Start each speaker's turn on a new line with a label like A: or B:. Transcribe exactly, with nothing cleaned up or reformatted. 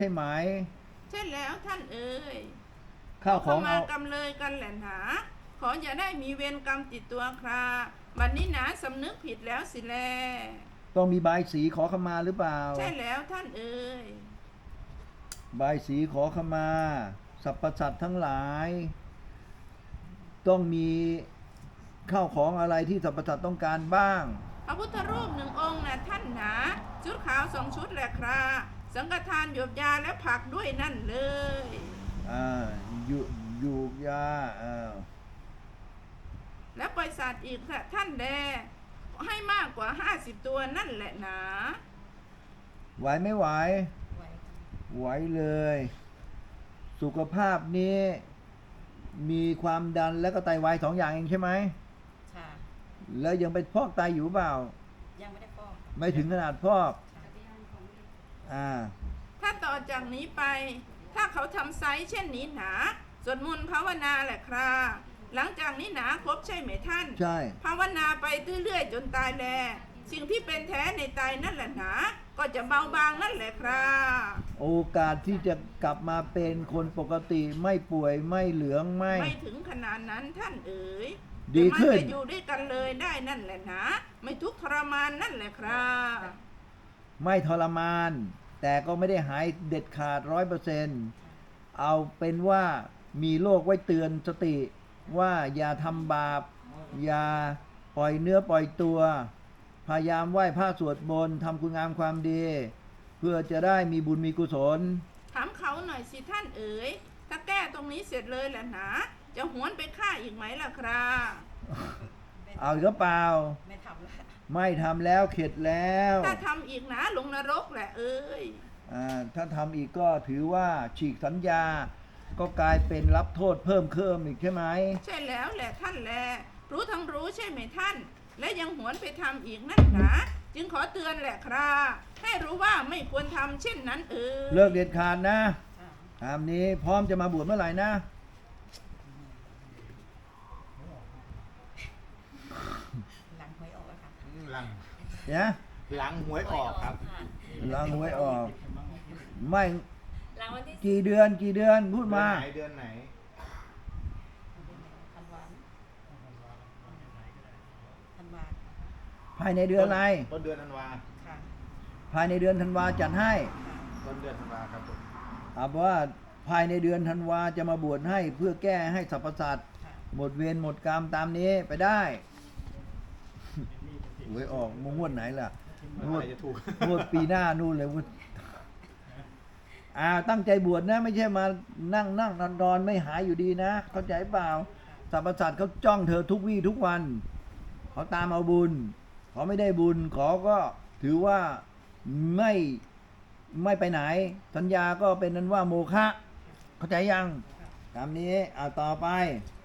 A: ใช่ไหม
B: ใช่แล้วท่านเอ๋ย
A: ข้าวของ
B: เข้ามา
A: เอา
B: กำเลยกันแหละหนาขออย่าได้มีเวรกรรมติดตัวคราบัดนี้หนาสำนึกผิดแล้วสิแล
A: ต้องมีใบายสีขอขมาหรือเปล่า
B: ใช่แล้วท่านเอ๋ย
A: ใบายสีขอขมาสรรพสัตว์ทั้งหลาย ต้องมีข้าวของอะไรที่สรรพสัตว์ต้องการบ้าง
B: พระพุทธรูปหนึ่งองค์นะท่านหนาชุดขาวสองชุดแหละคราสังฆทานหยบยาและผักด้วยนั่นเลย
A: อ่าอยู่อยู่ยาอ่า
B: และปล่อยสัตว์อีกค่ะท่านแดให้มากกว่าห้าสิบตัวนั่นแหละหนา
A: ไหวไม่ไหวไหวเลย สุขภาพนี้มีความดันและก็ไตวายสองอย่างเองใช่ไหม
C: ค่ะ
A: แล้วยังไปพอกไตอยู่เปล่า
C: ยังไม่ได้ฟอก
A: ไม่ถึงขนาดพอกอ่า
B: ถ้าต่อจากนี้ไปถ้าเขาทำไซส์เช่นนี้หนาสวดมนต์ภาวนาแหละคราหลังจากนี้หนาครบใช่ไหมท่าน
A: ใช่
B: ภาวนาไปเรื่อยๆจนตายแลสิ่งที่เป็นแท้ในตายนั่นแหละหนาก็จะเบาบางนั่นแหละครา
A: โอกาสที่จะกลับมาเป็นคนปกติไม่ป่วยไม่เหลืองไม่
B: ไม่ถึงขนาดนั้นท่านเอ๋ย
A: ดีขึ้น
B: จะอยู่ด้วยกันเลยได้นั่นแหละนะไม่ทุกข์ทรมานนั่นแหละครับ
A: ไม่ทรมานแต่ก็ไม่ได้หายเด็ดขาดร้อยเปอร์เซนต์เอาเป็นว่ามีโรคไว้เตือนสติว่าอย่าทำบาปอย่าปล่อยเนื้อปล่อยตัวพยายามไหว้พระสวดมนต์ทำคุณงามความดีเพื่อจะได้มีบุญมีกุศล
B: ถามเขาหน่อยสิท่านเอ๋ยถ้าแก้ตรงนี้เสร็จเลยแหละนะจะหวนไปฆ่าอีกไหมล่ะครับ
A: เอาอีกเปล่า
C: ไม่ทำแล้ว
A: ไม่ทำแล้วเข็ดแล้ว
B: ถ้าทำอีกนะลงนรกแหละเอ้ย
A: อ่าถ้าทำอีกก็ถือว่าฉีกสัญญาก็กลายเป็นรับโทษเพิ่มเพิ่มอีกใช่ไหม
B: ใช่แล้วแหละท่านแลรู้ทั้งรู้ใช่ไหมท่านและยังหวนไปทำอีกนั่นนะจึงขอเตือนแหละครับให้รู้ว่าไม่ควรทำเช่นนั้นเออ
A: เลิกเด็ดขาดนะตามนี้พร้อมจะมาบวชเมื่อไหร่นะ
C: หลังหวยออกค่ะ
D: หลัง
A: เนี่ย
D: หลังหวยออกครับ
A: หลังหวยออกไม่กี่เดือนกี่เดือนพูดมา
D: เดือนไหน
A: ภายในเดือนอะไร
D: ต้นเดือนธันวา
A: ภายในเดือนธันวาจัดให้
D: ต้นเดือนธันวาครับผม
A: เอาว่าภายในเดือนธันวาจะมาบวชให้เพื่อแก้ให้สรรพสัตว์หมดเวรหมดกรรมตามนี้ไปได้หวยออกงวดไหนล่ะงวดงวดปีหน้านู่นเลยวุ้อ่าตั้งใจบวชนะไม่ใช่มานั่งนั่งนอนนอนไม่หายอยู่ดีนะเข้าใจเปล่าสรรพสัตว์เขาจ้องเธอทุกวี่ทุกวันเขาตามเอาบุญเขาไม่ได้บุญขอก็ถือว่าไม่ไม่ไปไหนสัญญาก็เป็นนั้นว่าโมฆะเข้าใจยังตามนี้เอาต่อไป